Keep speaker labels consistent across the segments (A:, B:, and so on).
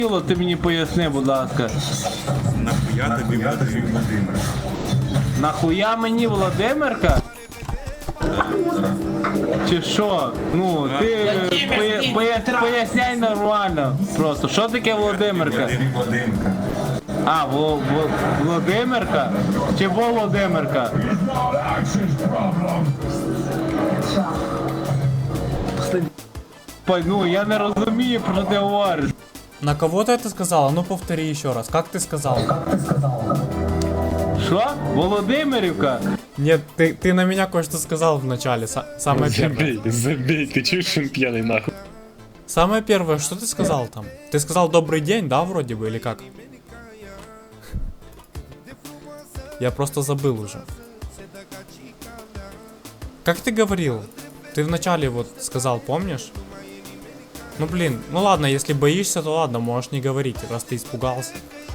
A: Ти мені поясни, будь ласка.
B: Нахуя тобі Володимир?
A: Нахуя мені Володимирка? Чи що? Ну, ти поясняй нормально. Просто, що таке Володимирка?
B: Володимирка.
A: А, Володимирка? Чи Володимирка? Ну, я не розумію, про що ти говориш.
C: На кого ты это сказала? Ну повтори еще раз. Как ты сказал?
A: Що? Володимирівка?
C: Нет, ты на меня кое-что сказал в начале. Самое первое.
D: Забей, ты чуешь, он пьяный нахуй.
C: Самое первое, что ты сказал там? Ты сказал добрый день, да, вроде бы, или как? Я просто забыл уже. Как ты говорил? Ты вначале вот сказал, помнишь? Ну блин, ну ладно, если боишься, то ладно, можешь не говорить, раз ты испугался.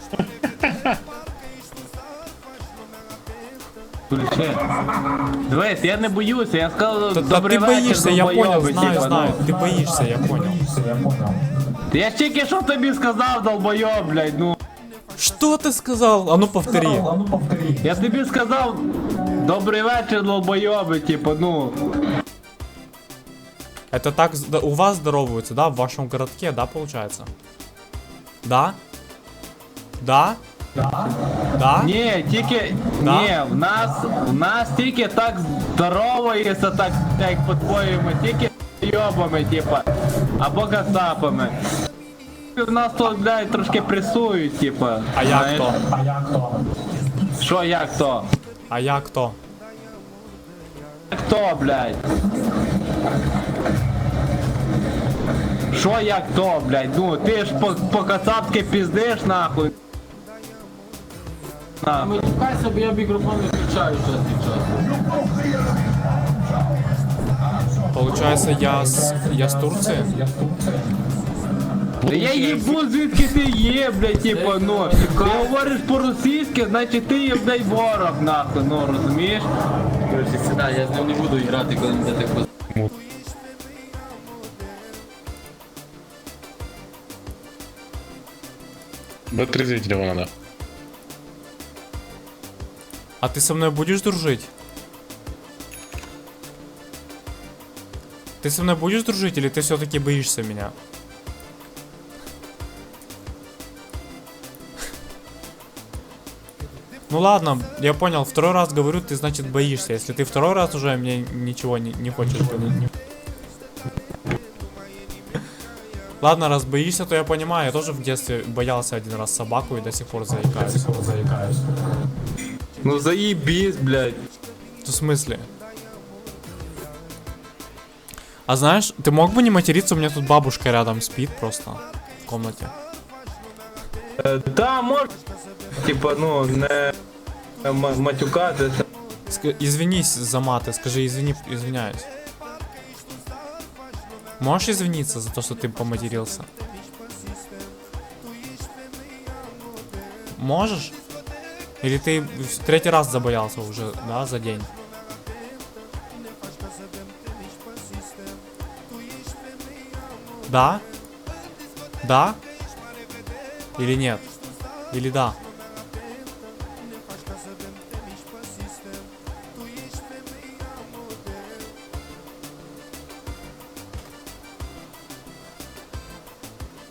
A: Дивись, я не боюся, я сказав,
C: Да
A: добрий
C: ты
A: вечір,
C: боишься, я понял,
A: долбойоби,
C: знаю,
A: типа,
C: знаю. Ты боишься, я понял.
A: Я ж тільки що тобі сказав, долбойоб, блядь, ну.
C: Что ты сказал? А ну повтори.
A: Я тобі сказав, добрий вечір, долбойоби, типа, ну.
C: Это так у вас здороваются, да, в вашем городке, да, получается? Да? Да? Да?
A: Ні, тільки,
C: Да?
A: ні, в нас тільки так здоровається, так, як по-твоєму, тільки йобами, типа, або кацапами. В нас тут, блядь, трошки пресують, типа.
C: А я
A: знаєш.
C: кто?
A: Що як то?
C: А я кто?
A: Хто, блядь? Що як то, блядь? Ну, ти ж по-кацапськи піздиш, нахуй. Нахуй.
E: Чекайся, бо я мікрофон не включаю час від часу.
C: Получается, я с Турции?
A: Та я їбу, звідки ти є, блядь, типа, ну. Ти говориш по-російськи, значить ти є, блядь, ворог, нахуй, ну, розумієш?
E: Короче, сідай, я з ним не буду грати, коли не так поз...
D: Отрезвить его надо.
C: А ты со мной будешь дружить? Ты со мной будешь дружить или ты все-таки боишься меня? Ну ладно, я понял, второй раз говорю, ты значит боишься. Если ты второй раз уже мне ничего не хочешь говорить. Ладно, раз боишься, то я понимаю, я тоже в детстве боялся один раз собаку и до сих пор заикаюсь.
A: Ну заебись, блядь.
C: В смысле? А знаешь, ты мог бы не материться, у меня тут бабушка рядом спит просто в комнате.
A: Да, може, типа, ну, не матюкатися.
C: Извинись за маты, скажи, извиняюсь. Можешь извиниться за то, что ты поматерился? Можешь? Или ты в третий раз забоялся уже, да, за день? Да? Да? Или нет? Или да?